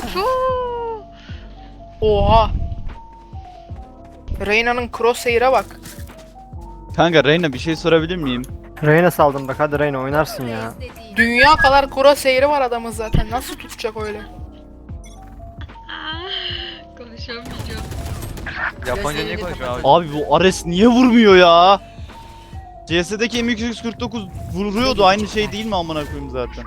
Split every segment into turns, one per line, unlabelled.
Oha. Reyna'nın crosshair'a bak.
Kanka Reyna bir şey sorabilir miyim?
Reyna saldım bak, hadi Reyna oynarsın ya.
Dünya kadar crosshair'i var adamın zaten. Nasıl tutacak öyle?
Konuşamayacağım.
Japonca niye konuşuyor abi?
Abi bu Ares niye vurmuyor ya? CS'deki M249 vuruyordu, aynı şey değil mi amına koyayım zaten?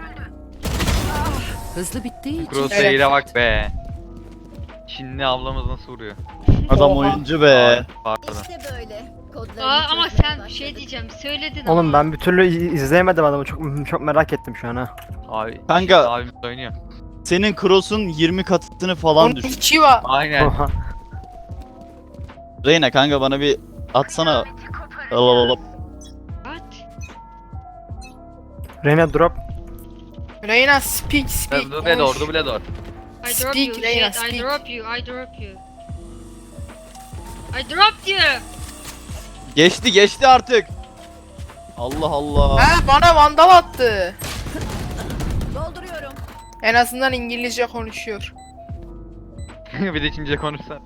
Hızlı bittiği için.
Crosshair'e bak be. Çinli ablamız nasıl vuruyor?
Adam
Oha.
oyuncu be.
Pardon.
İşte böyle.
Ama sen bir şey diyeceğim. Söyledin
Oğlum
ama.
ben bir türlü izleyemedim adamı, çok merak ettim şu an ha.
Abi.
Kanka-
Abimiz oynuyor.
Senin cross'un 20 katını falan
Onun
düşün.
içi var.
Aynen.
Oha.
Reyna kanka bana bir atsana. Alalım.
What?
Reyna drop.
Reyna speak.
Double door, double door.
I drop
Speak,
you.
Reyna,
Shit, I
speak.
drop you. I drop you. I dropped you.
Geçti artık. Allah Allah.
Ha bana vandal attı.
Dolduruyorum.
En azından İngilizce konuşuyor.
Bir de Çince konuşsan.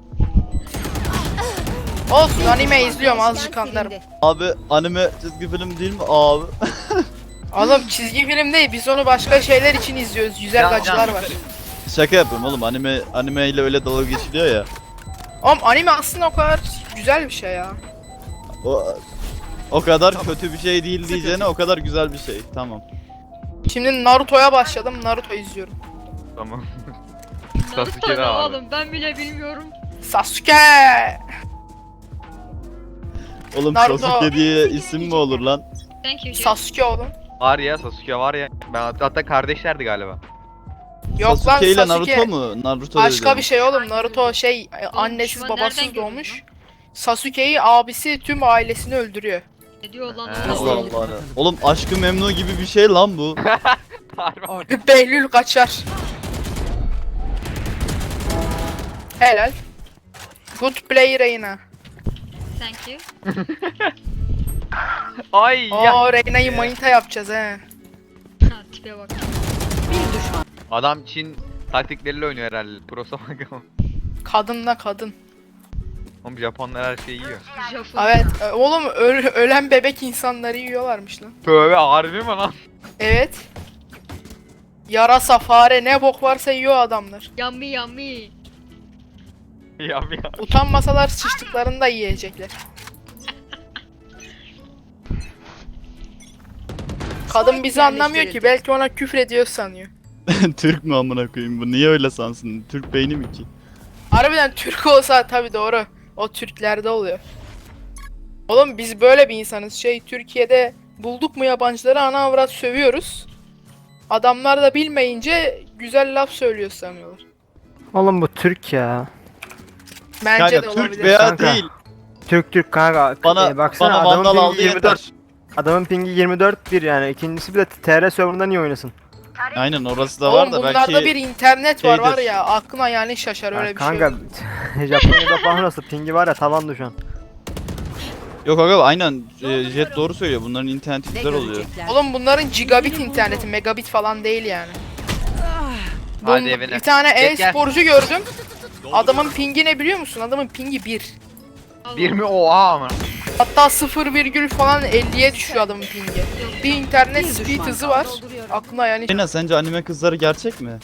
Olsun anime izliyorum azıcık anlarım.
Abi anime çizgi film değil mi abi?
Oğlum çizgi film değil biz onu başka şeyler için izliyoruz. Güzel gacılar var.
Şaka yapıyorum oğlum, anime ile öyle dalga geçiliyor ya.
Oğlum anime aslında o kadar güzel bir şey ya.
O kadar kötü bir şey değil diyeceğine o kadar güzel bir şey. Tamam.
Şimdi Naruto'ya başladım. Naruto izliyorum.
Tamam.
Naruto
Sasuke
ne
de abi.
oğlum? Ben bile bilmiyorum.
Sasuke!
Oğlum
Naruto.
Sasuke diye isim mi olur lan?
Thank you. Jay.
Sasuke oğlum.
Var ya, Sasuke var ya. Hatta kardeşlerdi galiba.
Yok
Sasuke ile
lan Sasuke.
Naruto mu? Naruto
Başka
dedim.
bir şey oğlum. Naruto şey annesiz
düşman nereden
babasız
gördün
doğmuş. Sasuke'yi abisi tüm ailesini öldürüyor.
Ne diyor lan
He.
Allah
oğlum?
Allah. Oğlum Aşk-ı Memnu gibi bir şey lan bu.
Behlül kaçar. Helal. Good play Reyna.
Thank you.
Ay ya.
Oo Reyna'yı manita yapacağız he.
Ha tipe bak.
Bir düşman.
Adam Çin taktikleriyle oynuyor herhalde. Pro'sa bak ama.
Kadınla kadın.
Oğlum Japonlar her şeyi yiyor.
Japon.
Evet oğlum ölen bebek insanları yiyorlarmış lan.
Tövbe, harbi mi lan?
Evet. Yarasa, fare ne bok varsa yiyor adamlar.
Yummy yummy.
Ya.
Utanmasalar sıçtıklarını da yiyecekler. Kadın bizi anlamıyor ki belki ona küfür ediyor sanıyor.
Türk mü amına koyayım bu? Niye öyle sansın? Türk beyni mi ki?
Harbiden Türk olsa tabi doğru. O Türklerde oluyor. Oğlum biz böyle bir insanız. Türkiye'de bulduk mu yabancıları ana avrat sövüyoruz. Adamlar da bilmeyince güzel laf söylüyor sanıyorlar.
Oğlum bu Türk ya.
Bence de
Kanka
olabilir.
Türk veya
Kanka.
değil.
Türk kanka.
Bana
adamın
vandal
pingi
aldı
24.
yeter.
Adamın pingi 24 yani. İkincisi bir de TR serverında niye oynasın?
Aynen orası da var
Oğlum
da
bunlarda
belki
bir internet var
şeydir.
var ya aklına yani şaşar öyle
Ya
bir şey.
kanka
yok.
Japonya'da falan nasıl pingi var ya, tavandı şu an.
Yok aga aynen Jet doğru söylüyor, bunların interneti
Ne
güzel oluyor.
görecekler?
Oğlum bunların gigabit interneti megabit falan değil yani.
Hadi evine.
Bir tane
Gel, gel.
e-sporcu gördüm. Adamın pingi ne biliyor musun? Adamın pingi 1.
Bir mi? Oha ama.
Hatta 0 virgül falan 50'ye düşüyor adamın pingi. Bir internet
Bir
speed
düşman
hızı
kaldı.
var. Aklına yani
Reyna sence anime kızları gerçek mi?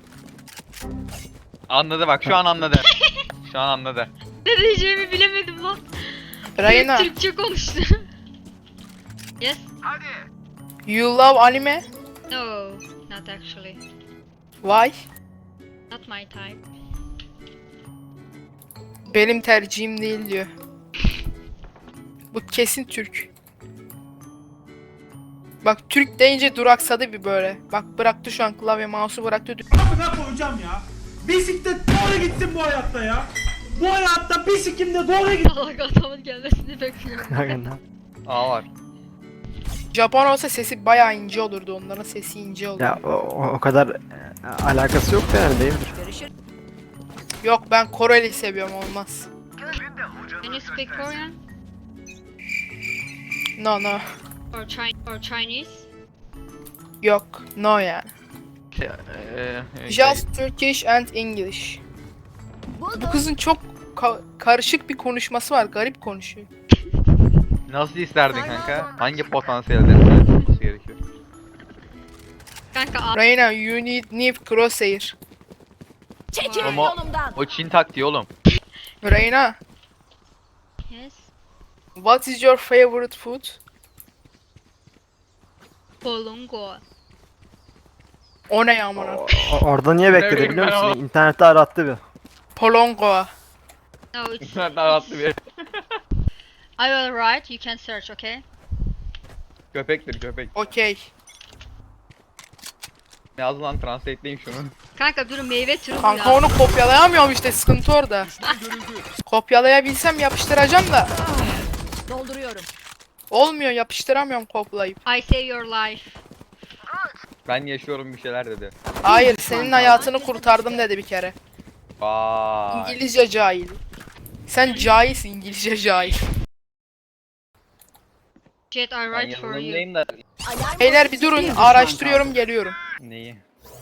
Anladı bak, şu an anladı. Şu an anladı.
Ne diyeceğimi bilemedim lan.
Reyna,
Türkçe konuştu. Yes.
you love anime?
No. Not actually.
Why?
Not my type.
Benim tercihim değil diyor. Bu kesin Türk. Bak Türk deyince duraksadı bir böyle. Bak bıraktı şu an klavye mouse'u bıraktı.
Amına koyacağım ya. Bisiklet doğru gitsin bu hayatta ya. Bu hayatta bisikimde doğru gitsin.
Allah adamın gelmesini bekliyorum.
Aynen.
Aa var.
Japon olsa sesi bayağı ince olurdu, onların sesi ince olurdu.
Ya o kadar alakası yok da yani, değildir.
Yok ben Koreli seviyorum, olmaz.
Can you speak Korean?
No no.
Or Chinese?
Yok no yani. Just Turkish and English. Bu
Buldum.
kızın çok karışık bir konuşması var. Garip konuşuyor.
Nasıl isterdin kanka? Hangi potansiyellerin olması gerekiyor?
Kanka
Reyna, you need new crosshair.
Çekilin
Ama-
yolumdan.
O Çin taktiği oğlum.
Reyna,
yes.
what is your favorite food?
Bolongo.
O ne ya amına?
Orada niye bekledi
bileyim
biliyor
ben
musun?
ama.
İnternette arattı bir.
Polongo.
No, it's.
Daha rahatlı bir
I will write. You can search, okay?
köpektir köpek.
Okey.
Yaz lan translate'leyin şunu.
Kanka dur meyve türü bu
Kanka
ya.
onu kopyalayamıyorum işte, sıkıntı orada. Kopyalayabilsem yapıştıracağım da.
Dolduruyorum.
Olmuyor, yapıştıramıyorum kopyalayıp.
I save your life.
Ben yaşıyorum bir şeyler dedi.
Hayır, senin hayatını kurtardım dedi bir kere.
Vay.
İngilizce cahil. Sen cahilsin, İngilizce cahil.
Jet, I
Ben
write for you.
yazılımdayım da
Alarm
Beyler bir durun, araştırıyorum, geliyorum.
neyi?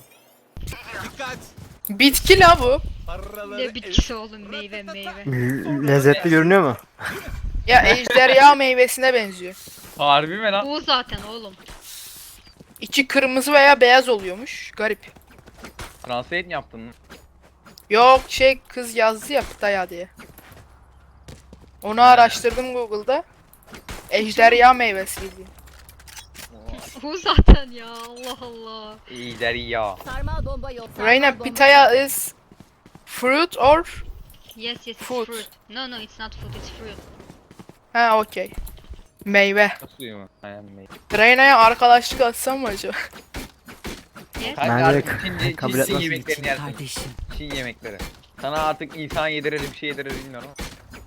Bitki la bu.
Ne bitkisi oğlum, meyve meyve.
Lezzetli görünüyor mu?
Ya ejderha meyvesine benziyor.
Harbi mi lan?
Bu zaten oğlum.
İçi kırmızı veya beyaz oluyormuş. Garip.
Translate mi yaptın?
Yok şey, kız yazdı ya Pıtaya diye. Onu araştırdım Google'da. Ejderha meyvesi bildiğin.
Bu zaten ya, Allah Allah.
İyiler ya.
Sarmal bomba yok. sarmal
Reyna,
bomba
pitaya is fruit or?
Yes, yes, it's
Food.
fruit. No, no, it's not food, it's fruit.
Ha okey. Meyve.
Suyu mu? Aynen meyve.
Reyna'ya arkadaşlık atsam mı acaba?
Yes.
Kanka
Bence
artık
kabul
Çin
etmez.
yemeklerini yersin.
Kardeşim.
Çin yemekleri. Sana artık insan yedirir bir şey yedirir bilmiyorum ama.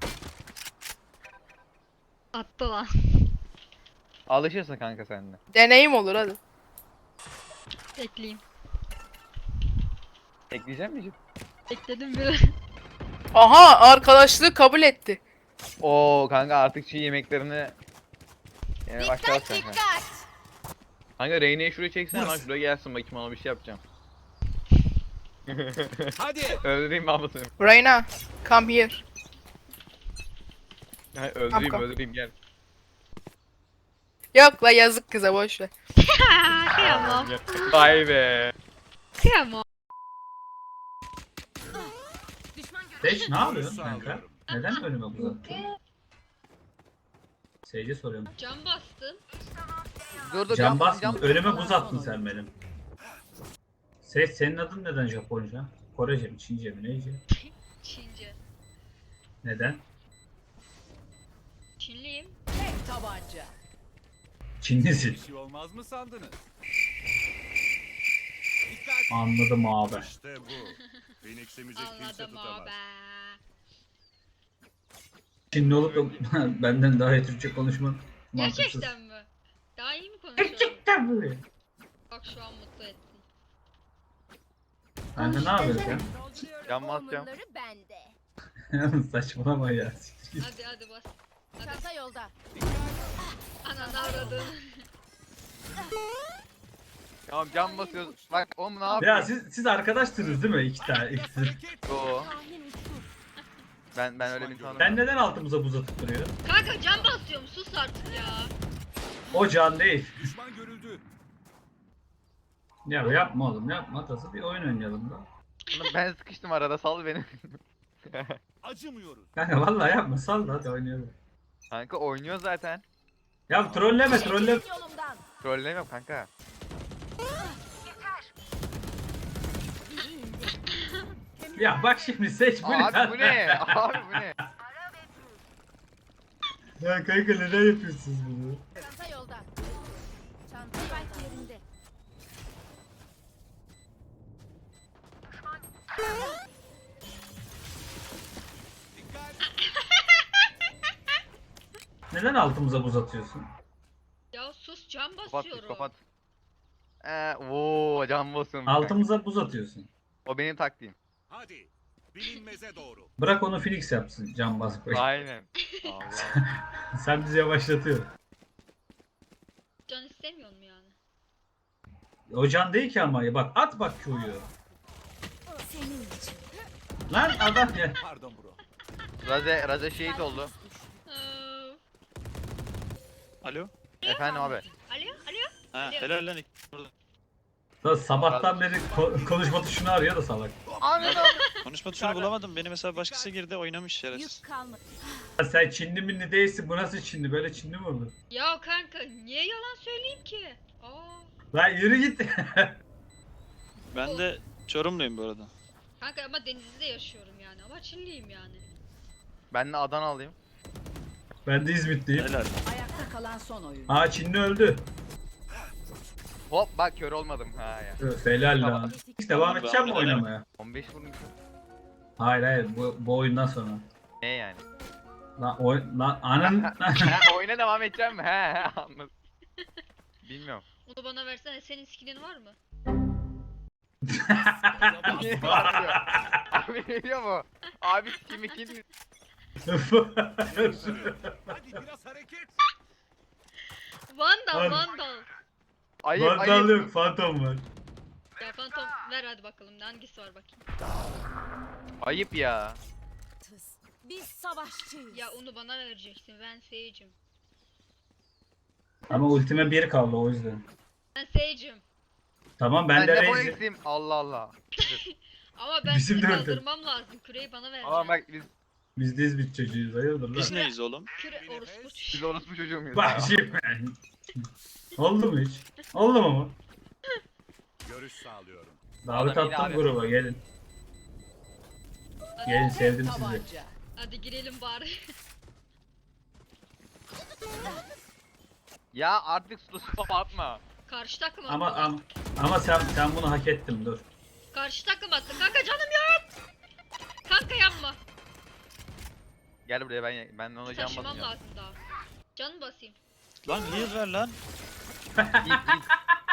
Attı lan.
Alışırsın kanka sen de.
Deneyim olur hadi.
Ekleyeyim.
Ekleyecek misin?
Ekledim bile.
Aha, arkadaşlığı kabul etti.
Oo kanka artık Çin yemeklerini yemeye
Dikkat
başlarsın kanka.
dikkat.
Kanka Reyne'yi şuraya çeksene lan şuraya gelsin bakayım ona bir şey yapacağım.
Hadi.
Öldüreyim mi ablasını?
Reyna, come here.
Öldüreyim
Kanka.
öldüreyim gel.
Yok la, yazık kıza, boş ver.
Kıyamam.
Vay be.
Kıyamam.
Seç ne yapıyorsun kanka? Neden önüme uzattın? Seyirci soruyorum.
Cam bastın.
Dur
Can basma. Önüme buz attın sen benim. Senin adın neden Japonca? Korece mi? Çince mi? Neyce?
Çince.
Neden?
Çinliyim.
Tek tabanca.
Çinlisin.
Bir şey olmaz mı sandınız?
Anladım abi.
İşte bu. Phoenix'imizi kimse
Anladım
tutamaz.
abi.
Çinli olup da benden daha iyi Türkçe konuşman mantıksız.
Gerçekten mi? Daha iyi mi konuşuyorum?
Gerçekten mi?
Bak şu an mutlu ettin.
Ben de ne yapıyorsun
Can basacağım.
Onları bende.
sen? Saçmalama ya.
Hadi hadi bas. Hadi.
Çanta yolda.
Ananı avradın.
Tamam can basıyoruz. Bak oğlum ne
Ya
yapıyorsun?
siz arkadaşsınız değil mi? İki tane. ikisi.
Yo,
Tahmin uçtu.
ben öyle bir tanımıyorum.
Ben neden altımıza buz atıp duruyor?
Kanka cam basıyorum, sus artık ya.
O can değil.
Düşman görüldü.
Ya yapma oğlum yapma. Tası bir oyun oynayalım da.
Oğlum ben sıkıştım arada sal beni.
Acımıyoruz.
Kanka vallahi yapma sal da hadi oynayalım.
Kanka oynuyor zaten.
Ya trolleme trolleme.
Çekilin yolumdan.
Trollemiyorum kanka.
Ya bak şimdi seç bu ne?
Abi bu ne? Abi bu ne?
Ya kanka neden yapıyorsunuz bunu?
Çanta yolda. Çanta spike yerinde.
Neden altımıza buz atıyorsun?
Ya sus, cam
Kapat
basıyorum.
kapat. Oo can basıyorum. kanka.
Altımıza buz atıyorsun.
O benim taktiğim.
Hadi. Bilinmeze doğru.
Bırak onu Phoenix yapsın can basıp.
Aynen.
Sen bizi yavaşlatıyorsun.
Can istemiyor mu yani?
O can değil ki ama bak at bak Q'yu.
Senin için.
Lan adam ya.
Pardon bro.
Raze şehit oldu.
Alo?
Efendim abi.
Alo, alo.
Ha helal lan.
Lan sabahtan beri konuşma tuşunu arıyor da salak.
Konuşma tuşunu bulamadım. Beni mesela başkası girdi oynamış şerefsiz.
Yük kalmadı.
Ya sen Çinli minli değilsin, bu nasıl Çinli? Böyle Çinli mi olur?
Ya kanka niye yalan söyleyeyim ki? Aa.
Lan yürü git.
Ben de Çorumluyum bu arada.
Kanka ama Denizli'de yaşıyorum yani ama Çinliyim yani.
Ben de Adanalıyım.
Ben de İzmitliyim.
Helal.
Ayakta kalan son oyun.
Aa Çinli öldü.
Hop bak kör olmadım ha ya.
Öf, helal lan. Hiç devam edeceğim mi oynamaya?
15 vurmuşum.
Hayır bu oyundan sonra.
Ne yani?
Lan anın...
Ha, oyuna devam edeceğim mi? He anladım. Bilmiyorum.
Onu bana versene, senin skinin var mı?
Abi ne diyor mu? Abi kimi kim?
Hadi biraz hareket.
Vandal,
Var.
Vandal.
Ayıp
Vandal
ayıp.
yok, Phantom var.
Ya Phantom ver hadi bakalım, hangisi var bakayım.
Ayıp ya.
Biz savaşçıyız.
Ya onu bana vereceksin, ben Sage'im.
Ama ultime 1 kaldı o yüzden.
Ben Sage'im.
Tamam
Ben
ben de
de
Raze'im.
eksiğim. Allah Allah.
Ama ben
Bizim
sizi
de öyle.
kaldırmam lazım. Küreyi bana vereceğim.
Ama bak
Biz de İzmit çocuğuyuz, hayırdır
Biz
lan?
neyiz oğlum?
Küre orospu.
biz orospu çocuğu muyuz?
Bak şimdi. Oldu mu hiç? Oldu mu?
Görüş sağlıyorum.
Davet
Adam yine
attım
abi.
gruba, gelin. Gelin, sevdim sizi.
Tabanca.
Hadi girelim bari.
Ya artık spam atma.
Karşı takım attı.
Ama sen bunu hak ettin, dur.
Karşı takım attı. Kanka canım yok. Kanka yapma.
Gel buraya ben ona can
Taşımam
basacağım.
lazım daha. Canım basayım.
Lan heal ver lan.
Git git.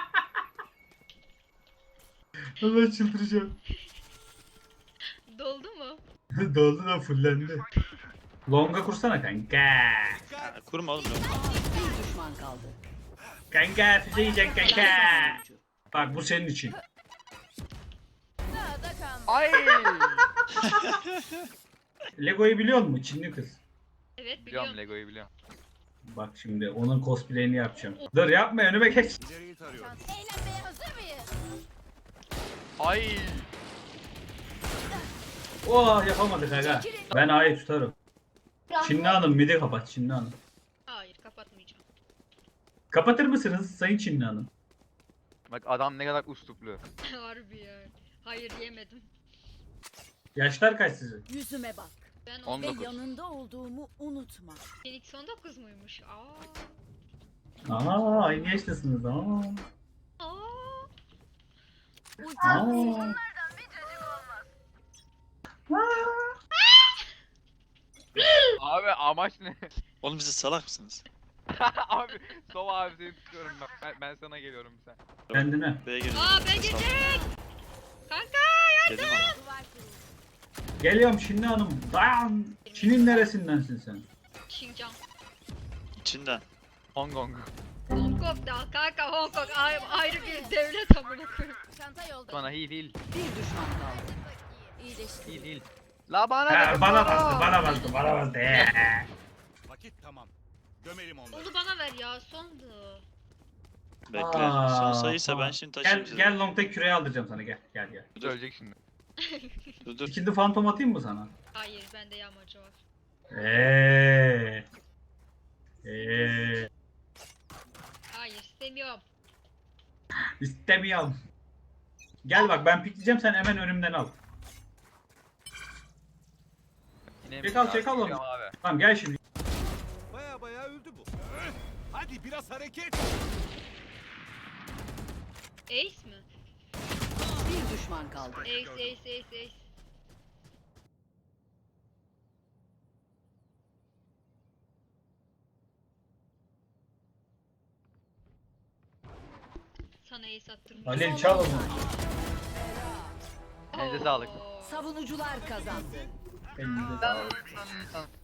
Allah çıldıracağım.
Doldu mu?
Doldu da fullendi. Longa kursana kanka.
Ha, kurma oğlum.
Bir düşman kaldı.
Kanka füze yiyeceksin kanka.
Son oyuncu.
Bak bu senin için.
Daha da kalmadı.
Ay.
Lego'yu biliyor musun? Çinli kız.
Evet biliyorum.
Biliyorum Lego'yu biliyorum.
Bak şimdi onun cosplay'ini yapacağım. Dur yapma, önüme geç.
İleriyi tarıyorum.
Eğlenmeye hazır mıyız?
Ay.
Oh yapamadık aga. Ben A'yı tutarım. Çinli Hanım midi kapat, Çinli Hanım.
Hayır kapatmayacağım.
Kapatır mısınız Sayın Çinli Hanım?
Bak adam ne kadar usluplu.
Harbi ya. Hayır yemedim.
Yaşlar kaç sizin?
Yüzüme bak.
Ben
19.
Ve yanında olduğumu unutma.
Phoenix 19 muymuş? Aa.
Aa aynı yaştasınız. Aa.
Aa.
Aa.
Abi amaç ne?
Oğlum siz salak mısınız?
Abi Sova abi seni tutuyorum ben sana geliyorum sen.
Kendine.
B'ye girin.
Aa ben geçecek. Kanka
Dedim ama.
Duvar kurulu.
Geliyorum Çinli Hanım. Dayan. Çin'in neresindensin sen?
Xinjiang.
İçinden.
Hong Kong.
Hong Kong da kanka, Hong Kong ayrı bir devlet amına koyayım.
Çanta yolda.
Bana iyi değil.
Bir düşman kaldı.
İyileşti.
İyi değil. La bana
Ha,
ne?
bana bastı.
Vakit tamam. Gömelim onları.
Onu bana ver ya, sondu.
Bekle.
Aa,
Son sayıysa
tamam.
ben şimdi taşıyayım sizi.
Gel long'daki küreği aldıracağım sana, gel.
Dur.
Ölecek şimdi.
Dur.
İkinci fantom atayım mı sana?
Hayır bende yağmacı var. Hayır istemiyorum.
İstemiyorum. Gel bak, ben pikleyeceğim, sen hemen önümden al.
Yine
Çek al onu.
Abi.
Tamam gel şimdi.
Baya öldü bu. Hadi biraz hareket.
Ace mi?
Bir düşman kaldı.
Ace. Sana ace attırmış.
Halil çal onu.
Elinize sağlık.
Oo.
Savunucular kazandı.
Elinize sağlık.